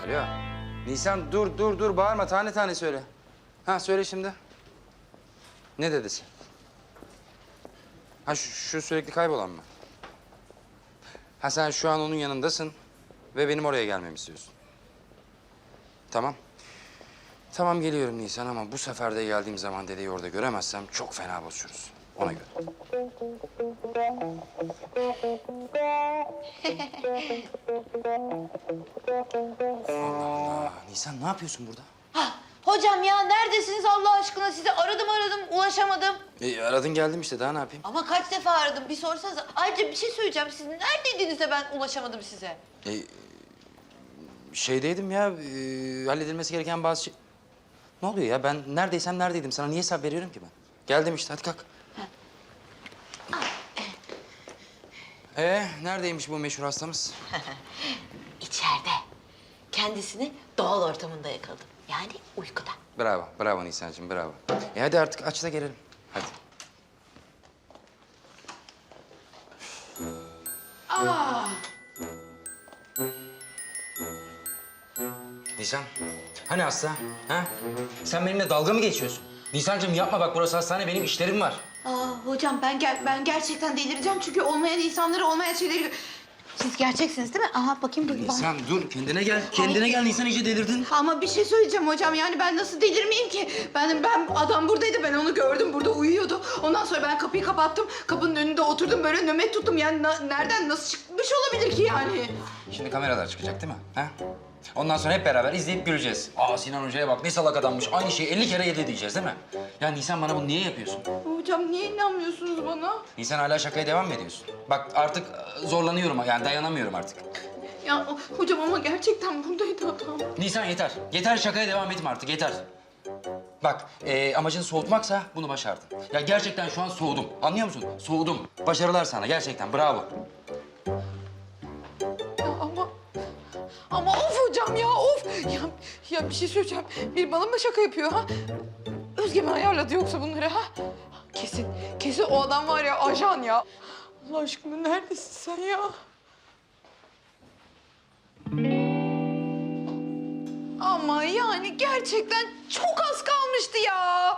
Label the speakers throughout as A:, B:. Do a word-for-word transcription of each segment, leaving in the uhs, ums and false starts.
A: Alo. Nisan dur dur dur bağırma tane tane söyle. Ha söyle şimdi. Ne dedesi? Ha şu, şu sürekli kaybolan mı? Ha sen şu an onun yanındasın ve benim oraya gelmemi istiyorsun. Tamam. Tamam geliyorum Nisan ama bu sefer de geldiğim zaman dedeyi orada göremezsem çok fena bozuşuruz. Ona göre. Allah Allah. Nisan ne yapıyorsun burada?
B: Ha, hocam ya neredesiniz Allah aşkına? Sizi aradım aradım ulaşamadım.
A: E, aradın geldim işte daha ne yapayım?
B: Ama kaç defa aradım bir sorsanız. Ayrıca bir şey söyleyeceğim. Siz neredeydiniz de ben ulaşamadım size?
A: E, şeydeydim ya e, halledilmesi gereken bazı şey... Ne oluyor ya ben neredeysem neredeydim sana niye hesap veriyorum ki ben? Geldim işte hadi kalk. Ee, neredeymiş bu meşhur hastamız?
B: İçeride. Kendisini doğal ortamında yakaladım. Yani uykuda.
A: Bravo, bravo Nisan'cığım, bravo. E hadi artık aç da gelelim. Hadi.
B: Aa,
A: Nisan, hani hasta? Ha? Sen benimle dalga mı geçiyorsun? Nisan'cığım yapma bak burası hastane, benim işlerim var.
B: aa hocam ben ger ben gerçekten delireceğim çünkü olmayan insanları olmayan şeyleri... Siz gerçeksiniz değil mi? Aha bakayım dur.
A: Nisan dur, kendine gel. Kendine gel Nisan, iyice delirdin.
B: Ama bir şey söyleyeceğim hocam. Yani ben nasıl delirmeyeyim ki? Ben ben adam buradaydı. Ben onu gördüm. Burada uyuyordu. Ondan sonra ben kapıyı kapattım. Kapının önünde oturdum. Böyle nöbet tuttum. Yani na- nereden nasıl çıkmış olabilir ki yani?
A: Şimdi kameralar çıkacak değil mi? Ha? Ondan sonra hep beraber izleyip göreceğiz. Aa Sinan Hoca'ya bak ne salak adammış. Aynı şeyi elli kere yedi diyeceğiz değil mi? Ya Nisan bana bunu niye yapıyorsun?
B: Hocam niye inanmıyorsunuz bana?
A: Nisan hala şakaya devam mı ediyorsun? Bak artık zorlanıyorum yani dayanamıyorum artık.
B: Ya hocam ama gerçekten buradaydı adam.
A: Nisan yeter. Yeter şakaya devam etme artık yeter. Bak e, amacın soğutmaksa bunu başardın. Ya gerçekten şu an soğudum. Anlıyor musun? Soğudum. Başarılar sana gerçekten bravo.
B: Ya ama... Ama of hocam ya of. Ya, ya bir şey söyleyeceğim. Bir bana mı şaka yapıyor ha? Özge mi ayarladı yoksa bunları ha? Kesin, kesin o adam var ya ajan ya. Allah aşkına neredesin sen ya? Ama yani gerçekten çok az kalmıştı ya.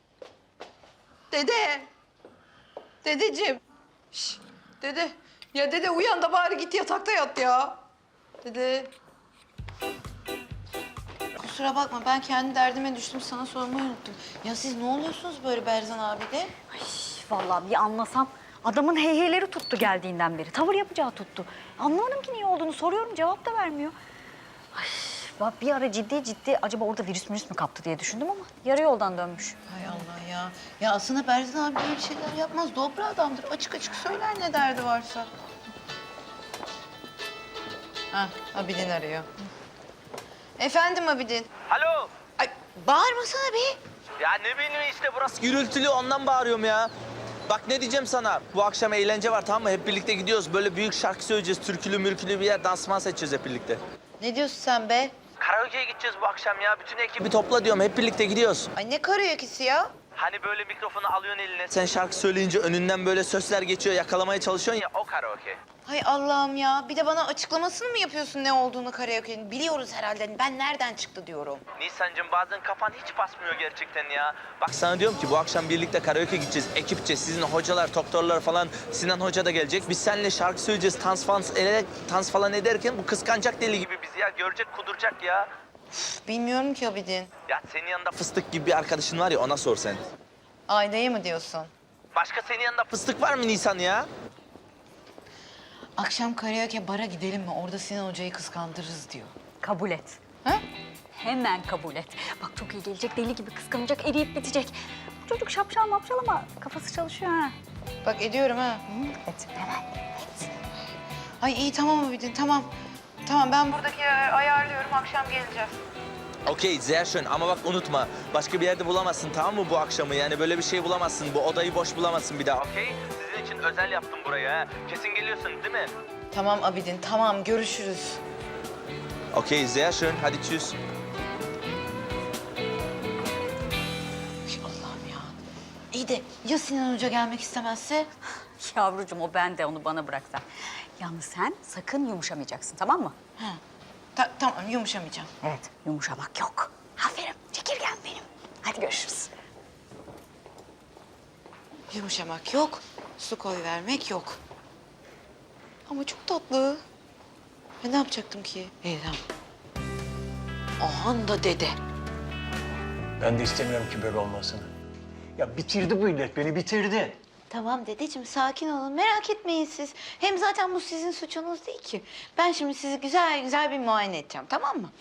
B: Dede. Dedeciğim. Şş, dede. Ya dede uyan da bari git yatakta yat ya. Dede. Kusura bakma ben kendi derdime düştüm sana sormayı unuttum. Ya siz ne oluyorsunuz böyle Berzan abi de?
C: Ay, vallahi bir anlasam. Adamın heyheyleri tuttu geldiğinden beri. Tavır yapacağı tuttu. Anlamadım ki niye olduğunu. Soruyorum cevap da vermiyor. Ay, bak bir ara ciddi ciddi acaba orada virüs mürüs mü kaptı diye düşündüm ama yarı yoldan dönmüş.
B: Hay Allah ya. Ya aslında Berzan abi böyle şeyler yapmaz. Dobra adamdır. Açık açık söyler ne derdi varsa. Ha, Abidin arıyor. Efendim Abidin.
D: Alo.
B: Ay bağırmasana be.
D: Ya ne bileyim işte burası gürültülü ondan bağırıyorum ya. Bak ne diyeceğim sana. Bu akşam eğlence var tamam mı? Hep birlikte gidiyoruz. Böyle büyük şarkı söyleyeceğiz. Türkülü mürkülü bir yer dansman seçeceğiz hep birlikte.
B: Ne diyorsun sen be?
D: Karaoke'ye gideceğiz bu akşam ya. Bütün ekibi topla diyorum. Hep birlikte gidiyoruz.
B: Ay ne karaoke'si ya?
D: Hani böyle mikrofonu alıyorsun eline. Sen şarkı söyleyince önünden böyle sözler geçiyor. Yakalamaya çalışıyorsun ya o karaoke.
B: Hay Allah'ım ya. Bir de bana açıklamasını mı yapıyorsun ne olduğunu karaoke'nin? Biliyoruz herhalde. Ben nereden çıktı diyorum.
D: Nisan'cığım bazen kafan hiç basmıyor gerçekten ya. Bak sana diyorum ki bu akşam birlikte karaoke gideceğiz. Ekipçe sizin hocalar, doktorlar falan. Sinan Hoca da gelecek. Biz seninle şarkı söyleyeceğiz. Dans falan, ele, dans falan ederken bu kıskanacak deli gibi bizi ya. Görecek kuduracak ya.
B: Bilmiyorum ki Abidin.
D: Ya senin yanında fıstık gibi bir arkadaşın var ya ona sor sen.
B: Ayda'yı mı diyorsun?
D: Başka senin yanında fıstık var mı Nisan ya?
B: Akşam karaoke bara gidelim mi? Orada Sinan Hoca'yı kıskandırırız diyor.
C: Kabul et.
B: Ha?
C: Hemen kabul et. Bak çok iyi gelecek, deli gibi kıskanacak, eriyip bitecek. Bu çocuk şapşal mapşal ama kafası çalışıyor ha.
B: Bak ediyorum ha.
C: Et hemen.
B: Ay iyi tamam Abidin tamam. Tamam ben buradaki ayarlıyorum. Akşam geleceğiz.
D: Okey, sehr schön ama bak unutma. Başka bir yerde bulamazsın tamam mı bu akşamı? Yani böyle bir şey bulamazsın. Bu odayı boş bulamazsın bir daha. Okey, sizin için özel yaptım burayı ha. Kesin geliyorsun değil mi?
B: Tamam Abidin tamam görüşürüz.
D: Okey, sehr schön. Hadi tschüss.
B: Ay Allah'ım ya. İyi de ya Sinan Hoca gelmek istemezse?
C: Yavrucuğum o ben de onu bana bırak sen. Yalnız sen sakın yumuşamayacaksın tamam mı?
B: Ha. Ta- tamam yumuşamayacağım.
C: Evet, yumuşamak yok. Aferin, çekirgen benim. Hadi görüşürüz.
B: Yumuşamak yok, su koy vermek yok. Ama çok tatlı. Ben ne yapacaktım ki? İyi tamam. Ahan da dede.
E: Ben de istemiyorum ki böyle olmasını. Ya bitirdi bu illet, beni bitirdi.
F: Tamam dedeciğim sakin olun merak etmeyin siz. Hem zaten bu sizin suçunuz değil ki. Ben şimdi sizi güzel güzel bir muayene edeceğim tamam mı?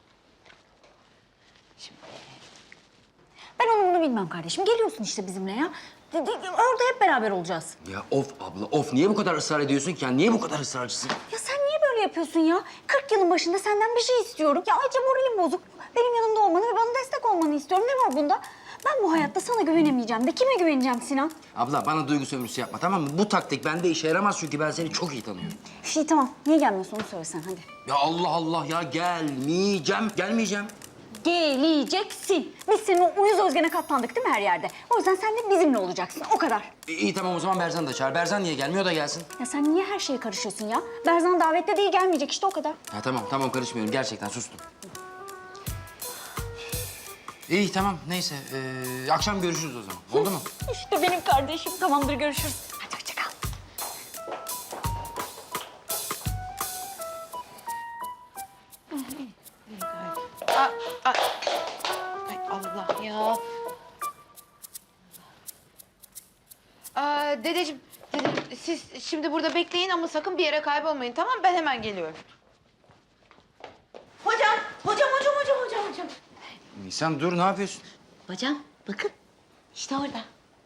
C: Ben onu bunu bilmem kardeşim. Geliyorsun işte bizimle ya. De- de- Orada hep beraber olacağız.
A: Ya of abla of niye bu kadar ısrar ediyorsun ki? Ya niye bu kadar ısrarcısın?
C: Ya sen niye böyle yapıyorsun ya? kırk yılın başında senden bir şey istiyorum. Ya ayrıca moralim bozuk. Benim yanımda olmanı ve bana destek olmanı istiyorum. Ne var bunda? Ben bu hayatta sana güvenemeyeceğim de kime güveneceğim Sinan?
A: Abla bana duygu sömürüsü yapma tamam mı? Bu taktik bende işe yaramaz çünkü ben seni çok iyi tanıyorum.
C: Şey tamam. Niye gelmiyorsun onu söylesen hadi.
A: Ya Allah Allah ya gelmeyeceğim, gelmeyeceğim.
C: Geleceksin. Biz senin o uyuz özgene katlandık değil mi her yerde? O yüzden sen de bizimle olacaksın. O kadar.
A: İyi, iyi tamam o zaman Berzan da çağır. Berzan niye gelmiyor da gelsin.
C: Ya sen niye her şeye karışıyorsun ya? Berzan davette değil gelmeyecek işte o kadar.
A: Ha tamam tamam karışmıyorum gerçekten sustum. İyi tamam neyse ee, akşam görüşürüz o zaman oldu mu?
C: İşte benim kardeşim. Tamamdır görüşürüz. Hadi hoşça kal.
B: Aa, aa. Ay Allah ya. Aa, dedeciğim, dedeciğim, siz şimdi burada bekleyin ama sakın bir yere kaybolmayın tamam mı? Ben hemen geliyorum.
F: Hocam, hocam, hocam, hocam, hocam, hocam.
A: Nisan dur ne yapıyorsun?
F: Hocam bakın işte orada.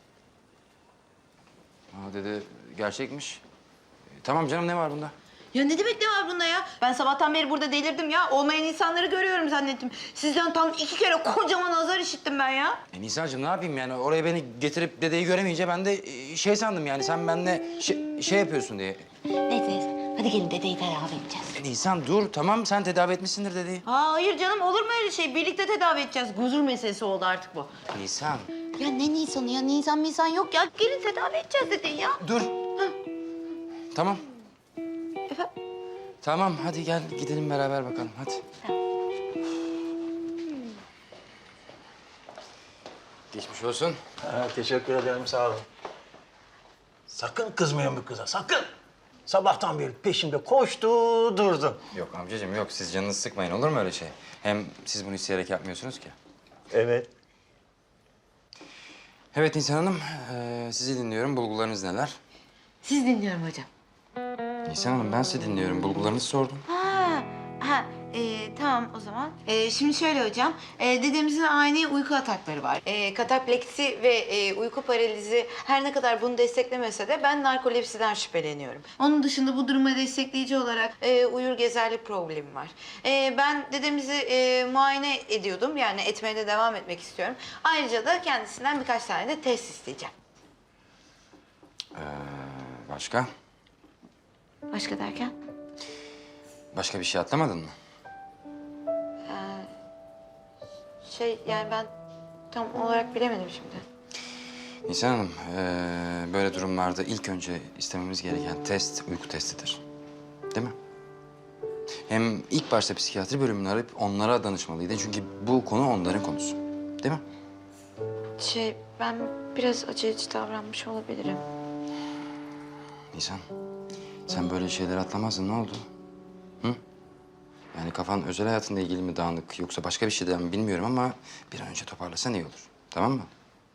A: Aa dede gerçekmiş. E, tamam canım ne var bunda?
B: Ya ne demek ne var bunda ya? Ben sabahtan beri burada delirdim ya. Olmayan insanları görüyorum zannettim. Sizden tam iki kere kocaman azar işittim ben ya.
A: E Nisan'cığım ne yapayım yani oraya beni getirip dedeyi göremeyince ben de e, şey sandım yani sen benimle şey, şey yapıyorsun diye.
F: Neyse, neyse. Hadi gelin dedeyi tedavi edeceğiz.
A: E, Nisan dur tamam sen tedavi etmişsindir dedeyi.
B: Aa, hayır canım olur mu öyle şey? Birlikte tedavi edeceğiz. Huzur meselesi oldu artık bu.
A: Nisan
F: Ya ne Nisan'ı ya? Nisan Nisan yok ya. Gelin tedavi edeceğiz dedeyi ya.
A: dur. Tamam.
B: Efendim?
A: Tamam hadi gel gidelim beraber bakalım hadi. Geçmiş olsun.
E: Ha, teşekkür ederim, sağ olun. Sakın kızmayın bu kıza, sakın. Sabahtan beri peşimde koştu, durdu.
A: Yok amcacığım yok siz canınızı sıkmayın olur mu öyle şey? Hem siz bunu isteyerek yapmıyorsunuz ki.
E: Evet.
A: Evet Nisan Hanım eee, sizi dinliyorum bulgularınız neler?
B: Siz dinliyorum hocam.
A: Nisan Hanım ben sizi dinliyorum bulgularınızı sordum.
F: Ha, ha. Ee, tamam o zaman. Ee, şimdi şöyle hocam. Ee, dedemizin ani uyku atakları var. Ee, katapleksi ve e, uyku paralizi her ne kadar bunu desteklemese de ben narkolepsiden şüpheleniyorum. Onun dışında bu duruma destekleyici olarak e, uyur gezerlik problemi var. Ee, ben dedemizi e, muayene ediyordum. Yani etmeye de devam etmek istiyorum. Ayrıca da kendisinden birkaç tane de test isteyeceğim.
A: Ee, başka?
F: Başka derken?
A: Başka bir şey atlamadın mı?
F: Şey yani ben tam olarak bilemedim şimdi.
A: Nisan Hanım eee, böyle durumlarda ilk önce istememiz gereken test uyku testidir. Değil mi? Hem ilk başta psikiyatri bölümünü arayıp onlara danışmalıydı. Çünkü bu konu onların konusu. Değil mi?
F: Şey ben biraz aceleci davranmış olabilirim.
A: Nisan, sen böyle şeyler atlamazdın. Ne oldu? Hı? Yani kafan özel hayatınla ilgili mi dağınık yoksa başka bir şeyden mi bilmiyorum ama bir an önce toparlasan iyi olur. Tamam mı?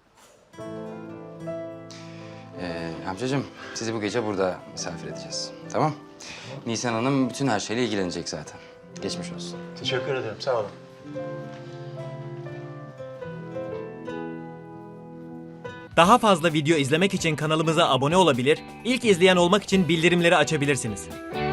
A: Ee, amcacığım sizi bu gece burada misafir edeceğiz. Tamam? Nisan Hanım bütün her şeyle ilgilenecek zaten. Geçmiş olsun.
E: Teşekkür ederim, sağ olun.
G: Daha fazla video izlemek için kanalımıza abone olabilir, ilk izleyen olmak için bildirimleri açabilirsiniz.